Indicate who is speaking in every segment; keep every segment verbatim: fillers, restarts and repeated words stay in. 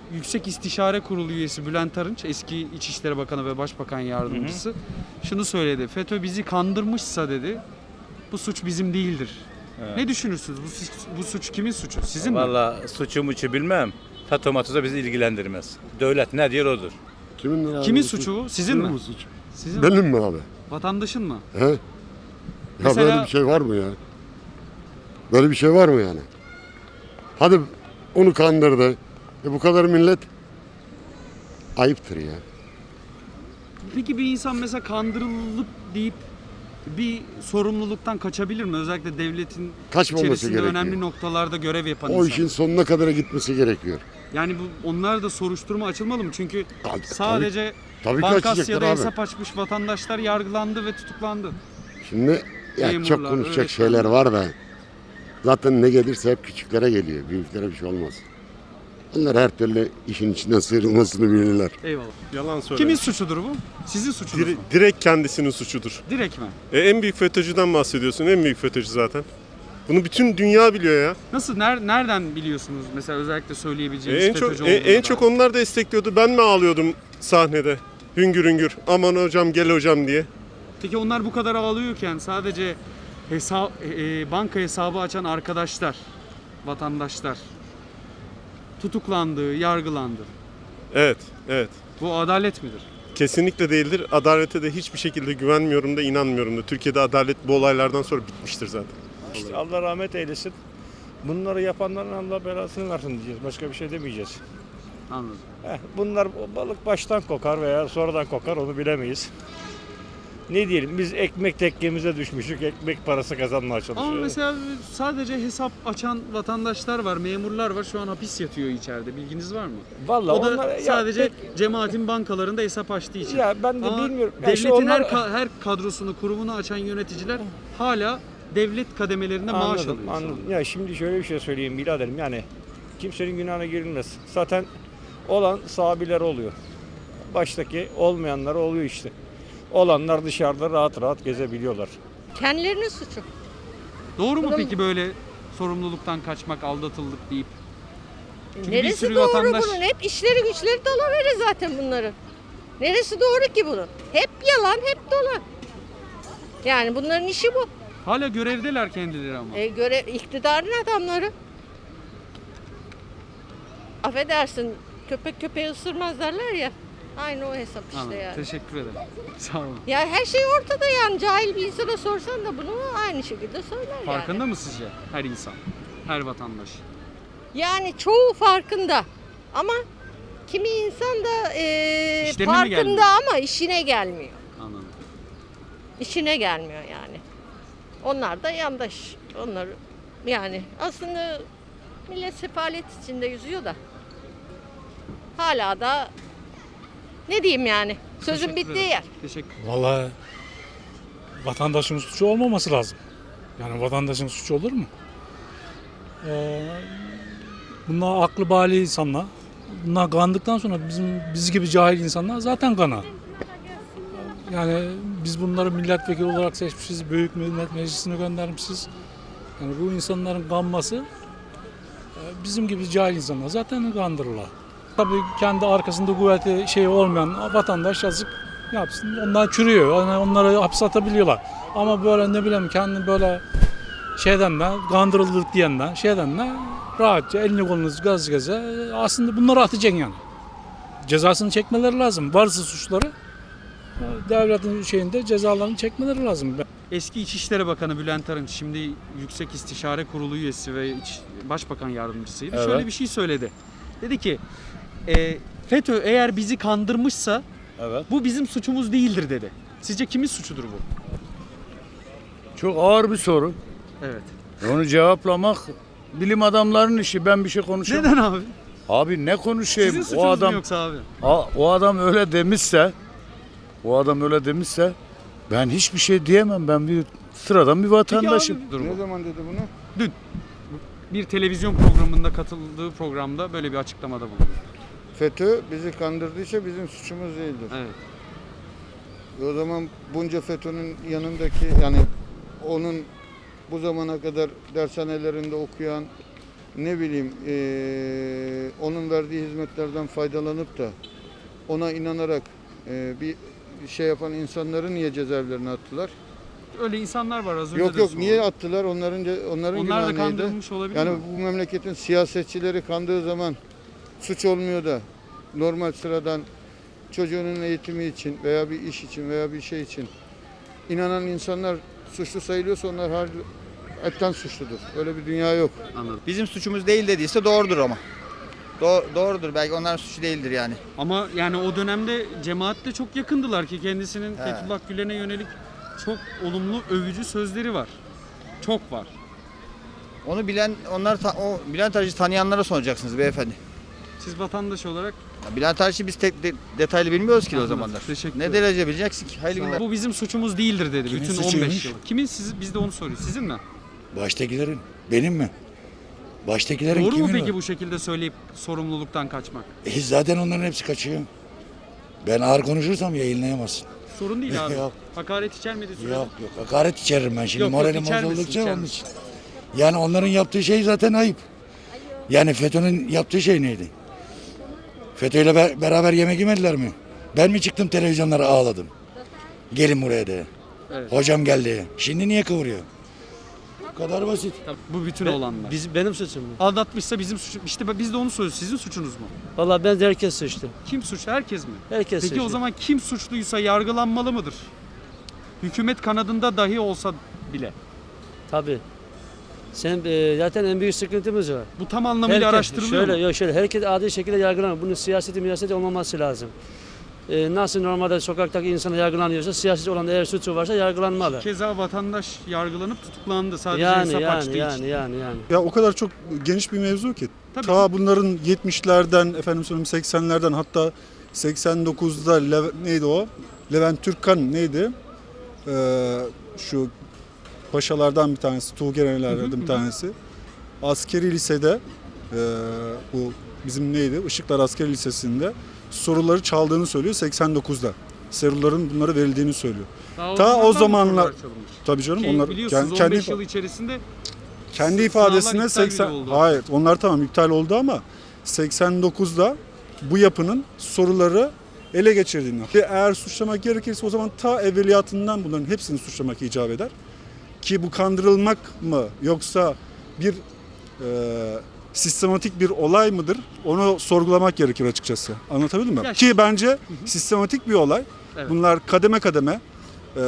Speaker 1: Yüksek İstişare Kurulu üyesi Bülent Arınç, eski İçişleri Bakanı ve Başbakan Yardımcısı, hı hı, şunu söyledi. FETÖ bizi kandırmışsa dedi, bu suç bizim değildir. Evet. Ne düşünürsünüz? Bu, bu suç kimin suçu? Sizin mi?
Speaker 2: Vallahi suçu muçu bilmem. FETÖ matüze bizi ilgilendirmez. Devlet ne diyor odur.
Speaker 1: Kimin, yani kimin suçu bu? Sizin Kimin mi? Suç?
Speaker 3: Sizin Benim mi? mi abi?
Speaker 1: Vatandaşın mı?
Speaker 3: He? Ya Mesela... böyle bir şey var mı ya? Böyle bir şey var mı yani? Hadi onu kandırdı. E bu kadar millet ayıptır ya.
Speaker 1: Peki bir insan mesela kandırılıp deyip bir sorumluluktan kaçabilir mi? Özellikle devletin
Speaker 3: Kaçmaması
Speaker 1: içerisinde
Speaker 3: gerekiyor.
Speaker 1: önemli noktalarda görev yapan
Speaker 3: o
Speaker 1: insan.
Speaker 3: O işin sonuna kadar gitmesi gerekiyor.
Speaker 1: Yani bu onlar da soruşturma açılmalı mı? Çünkü
Speaker 3: tabii,
Speaker 1: sadece
Speaker 3: tabii, tabii
Speaker 1: Bankasya'da hesap açmış vatandaşlar yargılandı ve tutuklandı.
Speaker 3: Şimdi ya Memurlar, çok konuşacak şeyler var da zaten ne gelirse hep küçüklere geliyor. Büyüklere bir şey olmaz. Onlar her türlü işin içinden sıyrılmasını bilirler.
Speaker 1: Eyvallah.
Speaker 4: Yalan söyle.
Speaker 1: Kimin suçudur bu? Sizin suçunuz
Speaker 4: Dire,
Speaker 1: mu?
Speaker 4: Direkt kendisinin suçudur.
Speaker 1: Direkt mi?
Speaker 4: E, en büyük FETÖ'cüden bahsediyorsun. En büyük FETÖ'cü zaten. Bunu bütün dünya biliyor ya.
Speaker 1: Nasıl? Ner, nereden biliyorsunuz? Mesela özellikle söyleyebileceğiniz
Speaker 4: E, en
Speaker 1: FETÖ'cü
Speaker 4: çok, e, en çok onlar destekliyordu. Ben mi ağlıyordum sahnede? Hüngür hüngür. Aman hocam gel hocam diye.
Speaker 1: Peki onlar bu kadar ağlıyorken sadece hesap, e, banka hesabı açan arkadaşlar, vatandaşlar tutuklandı, yargılandı.
Speaker 4: Evet, evet.
Speaker 1: Bu adalet midir?
Speaker 4: Kesinlikle değildir. Adalete de hiçbir şekilde güvenmiyorum da inanmıyorum da. Türkiye'de adalet bu olaylardan sonra bitmiştir zaten.
Speaker 5: İşte Allah rahmet eylesin. Bunları yapanların Allah belasını versin diyeceğiz. Başka bir şey demeyeceğiz.
Speaker 1: Anladım.
Speaker 5: Heh, bunlar balık baştan kokar veya sonradan kokar onu bilemeyiz. Ne diyelim biz ekmek tekkemize düşmüşük, ekmek parası kazanmaya çalışıyoruz.
Speaker 1: Ama mesela sadece hesap açan vatandaşlar var, memurlar var, şu an hapis yatıyor içeride. Bilginiz var mı?
Speaker 5: Vallahi
Speaker 1: o da
Speaker 5: onlar,
Speaker 1: sadece
Speaker 5: ya,
Speaker 1: cemaatin bankalarında hesap açtığı için.
Speaker 5: Ya ben de
Speaker 1: Ama
Speaker 5: bilmiyorum. Ya
Speaker 1: devletin
Speaker 5: işte onlar...
Speaker 1: her, her kadrosunu, kurumunu açan yöneticiler hala devlet kademelerinde
Speaker 5: anladım,
Speaker 1: maaş alıyor.
Speaker 5: Anladım. Ya şimdi şöyle bir şey söyleyeyim biraderim. Yani kimsenin günahına girilmez. Zaten olan sahabiler oluyor. Baştaki olmayanlar oluyor işte. Olanlar dışarıda rahat rahat gezebiliyorlar.
Speaker 6: Kendilerinin suçu.
Speaker 1: Doğru mu
Speaker 6: Bunun...
Speaker 1: peki böyle sorumluluktan kaçmak, aldatıldık deyip? Çünkü
Speaker 6: Neresi doğru vatandaş... bunun? Hep işleri güçleri dalavere zaten bunların. Neresi doğru ki bunun? Hep yalan, hep dolan. Yani bunların işi bu.
Speaker 1: Hala görevdeler kendileri ama.
Speaker 6: E, görev, iktidarın adamları. Affedersin, köpek köpeği ısırmaz derler ya. Aynı o hesap işte.
Speaker 1: Anladım,
Speaker 6: yani.
Speaker 1: teşekkür ederim. Sağ olun.
Speaker 6: Ya her şey ortada yani. Cahil bir insana sorsan da bunu aynı şekilde söyler
Speaker 1: Farkında
Speaker 6: yani.
Speaker 1: mı sizce her insan, her vatandaş?
Speaker 6: Yani çoğu farkında. Ama kimi insan da e, farkında ama işine gelmiyor.
Speaker 1: Anladım.
Speaker 6: İşine gelmiyor yani. Onlar da yandaş. Onlar yani aslında millet sefalet içinde yüzüyor da. Hala da ne diyeyim yani? Sözün bittiği yer.
Speaker 1: Teşekkür.
Speaker 7: Vallahi vatandaşın suçu olmaması lazım. Yani vatandaşın suçu olur mu? Ee, bunlar aklı bali insanlar. Bunlar kandıktan sonra bizim biz gibi cahil insanlar zaten kana. Yani biz bunları milletvekili olarak seçmişiz, Büyük Millet Meclisi'ne göndermişiz. Yani bu insanların kanması bizim gibi cahil insanlar zaten kandırırlar. Tabii kendi arkasında kuvveti şey olmayan vatandaş yazık yapsın. Onlar çürüyor. Yani onları hapse atabiliyorlar. Ama böyle ne bileyim kendi böyle şeyden de kandırıldık diyenden şeyden de rahatça elini kolunu gaz gaza aslında bunları atacaksın yani. Cezasını çekmeleri lazım. Varsa suçları devletin şeyinde cezalarını çekmeleri lazım.
Speaker 1: Eski İçişleri Bakanı Bülent Arınç, şimdi Yüksek İstişare Kurulu üyesi ve İç, Başbakan Yardımcısıydı. Evet. Şöyle bir şey söyledi. Dedi ki e, FETÖ eğer bizi kandırmışsa evet, bu bizim suçumuz değildir dedi. Sizce kimin suçudur bu?
Speaker 8: Çok ağır bir soru.
Speaker 1: Evet.
Speaker 8: Onu cevaplamak bilim adamlarının işi. Ben bir şey konuşamam.
Speaker 1: Neden abi?
Speaker 8: Abi ne konuşayım?
Speaker 1: Sizin suçunuz
Speaker 8: o adam,
Speaker 1: mu yoksa abi?
Speaker 8: A, o adam öyle demişse, o adam öyle demişse ben hiçbir şey diyemem. Ben bir sıradan bir vatandaşım.
Speaker 1: Abi,
Speaker 9: ne zaman dedi bunu?
Speaker 1: Dün. Bir televizyon programında katıldığı programda böyle bir açıklamada bulundu.
Speaker 9: FETÖ bizi kandırdıysa bizim suçumuz değildir.
Speaker 1: Evet.
Speaker 9: O zaman bunca FETÖ'nün yanındaki yani onun bu zamana kadar dershanelerinde okuyan ne bileyim eee, onun verdiği hizmetlerden faydalanıp da ona inanarak eee, bir şey yapan insanları niye cezaevlerine attılar?
Speaker 1: Öyle insanlar var az önce
Speaker 9: Yok
Speaker 1: de
Speaker 9: yok
Speaker 1: sordum.
Speaker 9: niye attılar? Onların ce- onların
Speaker 1: Onlar da
Speaker 9: günahı neydi?
Speaker 1: kandırılmış olabilir
Speaker 9: Yani
Speaker 1: mi?
Speaker 9: bu memleketin siyasetçileri kandığı zaman suç olmuyor da normal sıradan çocuğunun eğitimi için veya bir iş için veya bir şey için inanan insanlar suçlu sayılıyorsa onlar har etten suçludur. Öyle bir dünya yok.
Speaker 1: Anladım.
Speaker 10: Bizim suçumuz değil dediyse doğrudur ama. Do- doğrudur. Belki onların suçu değildir yani.
Speaker 1: Ama yani o dönemde cemaatle çok yakındılar ki kendisinin
Speaker 10: He.
Speaker 1: Fethullah Gülen'e yönelik çok olumlu övücü sözleri var. Çok var.
Speaker 10: Onu bilen, onlar ta- o Bülent Arıcı tanıyanlara soracaksınız beyefendi.
Speaker 1: Siz vatandaş olarak
Speaker 10: Ya Bülent Arıcı biz tek de- detaylı bilmiyoruz ki o
Speaker 1: Anladım.
Speaker 10: zamanlar.
Speaker 1: Teşekkür
Speaker 10: Ne
Speaker 1: ederim.
Speaker 10: derece bileceksin ki? Hayırlı günler.
Speaker 1: bu bizim suçumuz değildir dedi.
Speaker 8: Kimin
Speaker 1: Bütün on beş
Speaker 8: suçuymuş?
Speaker 1: yıl. Kimin siz biz de onu soruyoruz. Sizin mi?
Speaker 8: Baştakilerin. Benim mi? Baştakilerin
Speaker 1: Doğru mu
Speaker 8: kimin
Speaker 1: peki
Speaker 8: o?
Speaker 1: bu şekilde söyleyip sorumluluktan kaçmak?
Speaker 8: E, zaten onların hepsi kaçıyor. Ben ağır konuşursam yayınlayamazsın.
Speaker 1: Sorun değil abi.
Speaker 8: Yok.
Speaker 1: Hakaret içermediği sürece.
Speaker 8: Yok yok hakaret içeririm ben şimdi.
Speaker 1: Yok, yok,
Speaker 8: Moralim
Speaker 1: içer misin,
Speaker 8: bozuldukça
Speaker 1: içer
Speaker 8: onun
Speaker 1: misin?
Speaker 8: için. Yani onların yaptığı şey zaten ayıp. Yani FETÖ'nün yaptığı şey neydi? FETÖ'yle be- beraber yemek yemediler mi? Ben mi çıktım televizyonlara ağladım? Gelin buraya diye.
Speaker 1: Evet.
Speaker 8: Hocam geldi. Şimdi niye kıvırıyor? Bu kadar basit.
Speaker 1: Tabii, bu bütün olanlar.
Speaker 11: Biz, benim suçum mu?
Speaker 1: Aldatmışsa bizim suçum. İşte biz de onu soruyoruz. Sizin suçunuz mu?
Speaker 11: Valla ben de herkes suçlu.
Speaker 1: Kim suçlu? Herkes mi?
Speaker 11: Herkes
Speaker 1: Peki
Speaker 11: suçlu.
Speaker 1: o zaman kim suçluysa yargılanmalı mıdır? Hükümet kanadında dahi olsa bile.
Speaker 11: Tabii. Sen e, zaten en büyük sıkıntımız var.
Speaker 1: Bu tam anlamıyla
Speaker 11: Herkes-
Speaker 1: araştırılıyor
Speaker 11: şöyle,
Speaker 1: mu?
Speaker 11: Yok şöyle, herkes adil şekilde yargılanıyor. Bunun siyaseti miyaseti olmaması lazım. E, nasıl normalde sokaktaki insana yargılanıyorsa, siyasi olan eğer suçu varsa yargılanmalı.
Speaker 1: Keza vatandaş yargılanıp tutuklandı sadece
Speaker 11: Yani
Speaker 1: hesap açtığı
Speaker 11: yani
Speaker 1: için.
Speaker 11: yani yani yani.
Speaker 4: Ya o kadar çok geniş bir mevzu ki.
Speaker 1: Tabii
Speaker 4: Ta bunların yetmişlerden, efendim söyleyeyim seksenlerden hatta seksen dokuzda Leve- neydi o? Levent Türkkan neydi? Ee, şu paşalardan bir tanesi, Tuğgenelerden bir tanesi. Askeri lisede e, bu bizim neydi? Işıklar Askeri Lisesi'nde soruları çaldığını söylüyor seksen dokuzda. Soruların bunlara verildiğini söylüyor.
Speaker 1: Daha
Speaker 4: Ta o
Speaker 1: zamandan
Speaker 4: zamanlar
Speaker 1: sorular çalınmış.
Speaker 4: tabii canım
Speaker 1: Ki
Speaker 4: onlar
Speaker 1: biliyorsunuz
Speaker 4: kendi,
Speaker 1: on beş yıl içerisinde
Speaker 4: kendi
Speaker 1: sınavlar
Speaker 4: ifadesine
Speaker 1: iptal
Speaker 4: seksen
Speaker 1: bile oldu.
Speaker 4: hayır onlar tamam iptal oldu ama seksen dokuzda bu yapının soruları ele geçirdiğini. Ve eğer suçlamak gerekirse o zaman ta evveliyatından bunların hepsini suçlamak icap eder. Ki bu kandırılmak mı yoksa bir e, sistematik bir olay mıdır? Onu sorgulamak gerekir açıkçası. Anlatabildim mi?
Speaker 1: Ya
Speaker 4: Ki bence sistematik bir olay.
Speaker 1: Evet.
Speaker 4: Bunlar kademe kademe e,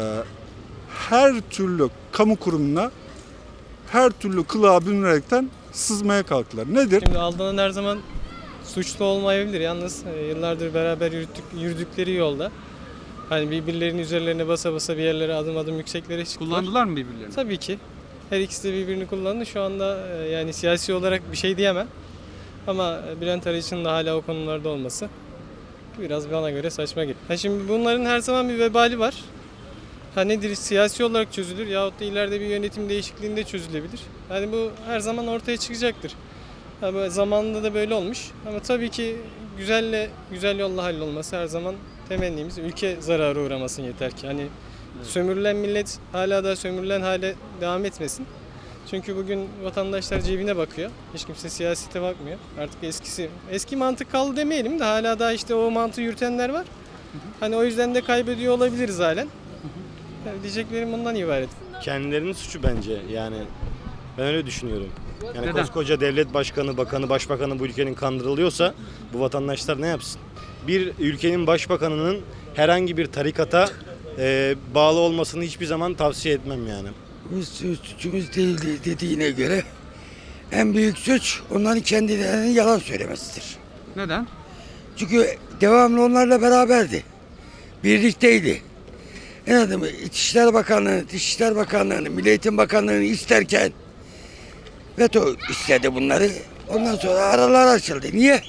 Speaker 4: her türlü kamu kurumuna her türlü kılığa bürünerekten sızmaya kalktılar. Nedir?
Speaker 12: Şimdi aldanan her zaman suçlu olmayabilir. Yalnız e, yıllardır beraber yürüttük, yürüdükleri yolda hani birbirlerinin üzerlerine basa basa bir yerlere adım adım yükseklere çıktılar.
Speaker 1: kullandılar mı birbirlerini?
Speaker 12: Tabii ki. Her ikisi de birbirini kullandı. Şu anda e, yani siyasi olarak bir şey diyemem. Ama e, Bülent Arıcı'nın da hala o konularda olması biraz bana göre saçma geliyor. Ha şimdi bunların her zaman bir vebali var. Ha nedir? Siyasi olarak çözülür yahut da ileride bir yönetim değişikliğinde çözülebilir. Yani bu her zaman ortaya çıkacaktır. Ha böyle zamanında da böyle olmuş. Ama tabii ki güzelle güzel yolla hallolması her zaman temennimiz. Ülke zarara uğramasın yeter ki. Hani sömürülen millet hala da sömürülen hale devam etmesin. Çünkü bugün vatandaşlar cebine bakıyor. Hiç kimse siyasete bakmıyor. Artık eskisi eski mantık kaldı demeyelim de hala da işte o mantığı yürütenler var. Hani o yüzden de kaybediyor olabiliriz halen. Yani diyeceklerim bundan ibaret.
Speaker 13: Kendilerinin suçu bence yani ben öyle düşünüyorum. Yani
Speaker 1: Neden?
Speaker 13: koskoca devlet başkanı, bakanı, başbakanı bu ülkenin kandırılıyorsa bu vatandaşlar ne yapsın? Bir ülkenin başbakanının herhangi bir tarikata e, bağlı olmasını hiçbir zaman tavsiye etmem yani.
Speaker 14: Bu suçumuz değildi dediğine göre en büyük suç onların kendilerinin yalan söylemesidir.
Speaker 1: Neden?
Speaker 14: Çünkü devamlı onlarla beraberdi. Birlikteydi. En adamı İçişler Bakanlığı, Dışişler Bakanlığı'nı, Milli Eğitim Bakanlığı'nı isterken veto istedi bunları. Ondan sonra aralar açıldı. Niye?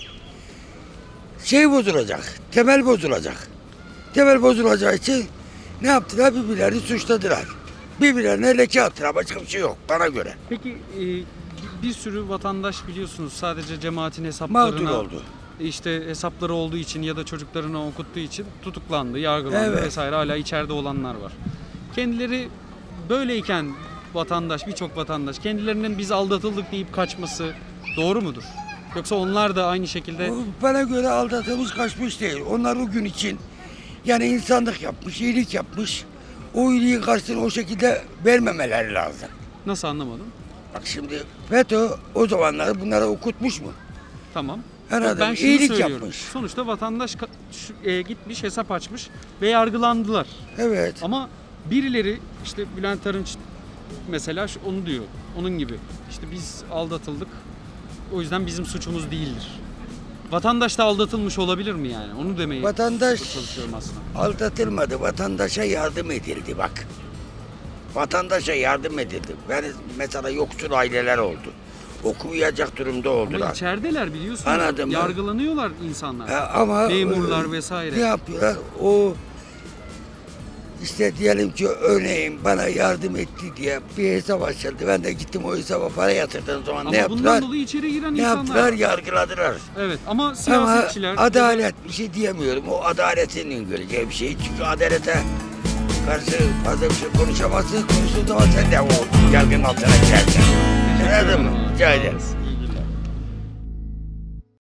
Speaker 14: Şey bozulacak, temel bozulacak. Temel bozulacağı için ne yaptılar? Birbirlerini suçladılar. Birbirlerine leke attılar. Başka bir şey yok bana göre.
Speaker 1: Peki e, bir sürü vatandaş biliyorsunuz sadece cemaatin
Speaker 14: Mağdur
Speaker 1: hesaplarına
Speaker 14: oldu.
Speaker 1: işte hesapları olduğu için ya da çocuklarına okuttuğu için tutuklandı, yargılandı
Speaker 14: Evet.
Speaker 1: vesaire hala içeride olanlar var. Kendileri böyleyken vatandaş, birçok vatandaş kendilerinin biz aldatıldık deyip kaçması doğru mudur? Yoksa onlar da aynı şekilde...
Speaker 14: Bana göre aldatılmış kaçmış değil. Onlar o gün için yani insanlık yapmış, iyilik yapmış. O iyiliğin karşılığını o şekilde vermemeleri lazım.
Speaker 1: Nasıl, anlamadım?
Speaker 14: Bak şimdi FETÖ o zamanlar bunlara okutmuş mu?
Speaker 1: Tamam.
Speaker 14: Anladım.
Speaker 1: Ben şunu
Speaker 14: İyilik
Speaker 1: söylüyorum.
Speaker 14: yapmış.
Speaker 1: Sonuçta vatandaş ka- şu- e, gitmiş, hesap açmış ve yargılandılar.
Speaker 14: Evet.
Speaker 1: Ama birileri, işte Bülent Arınç mesela şu- onu diyor. Onun gibi. İşte biz aldatıldık. O yüzden bizim suçumuz değildir. Vatandaş da aldatılmış olabilir mi yani? Onu demeye
Speaker 14: Vatandaş
Speaker 1: çalışıyorum aslında.
Speaker 14: aldatılmadı. Vatandaşa yardım edildi bak. Vatandaşa yardım edildi. Ben mesela yoksul aileler oldu. Okumayacak durumda
Speaker 1: Ama
Speaker 14: oldular.
Speaker 1: içerideler biliyorsunuz.
Speaker 14: Anladım ben.
Speaker 1: Yargılanıyorlar insanlar.
Speaker 14: Ha, ama
Speaker 1: Memurlar
Speaker 14: e,
Speaker 1: vesaire.
Speaker 14: Ne yapıyorlar? O işte diyelim ki örneğin bana yardım etti diye bir hesap açıldı. Ben de gittim o hesaba para yatırdığım zaman
Speaker 1: Ama
Speaker 14: ne yaptılar?
Speaker 1: bundan dolayı içeri giren
Speaker 14: Ne
Speaker 1: insanlar.
Speaker 14: yaptılar? Yargıladılar.
Speaker 1: Evet ama
Speaker 14: Ama
Speaker 1: siyasetçiler...
Speaker 14: adalet bir şey diyemiyorum. O adaletin göreceği bir şey. Çünkü adalete karşı fazla bir şey konuşamazsın. Konuştuğun zaman sen de o yargının altına girersin. Anladın mı? Rica ederim.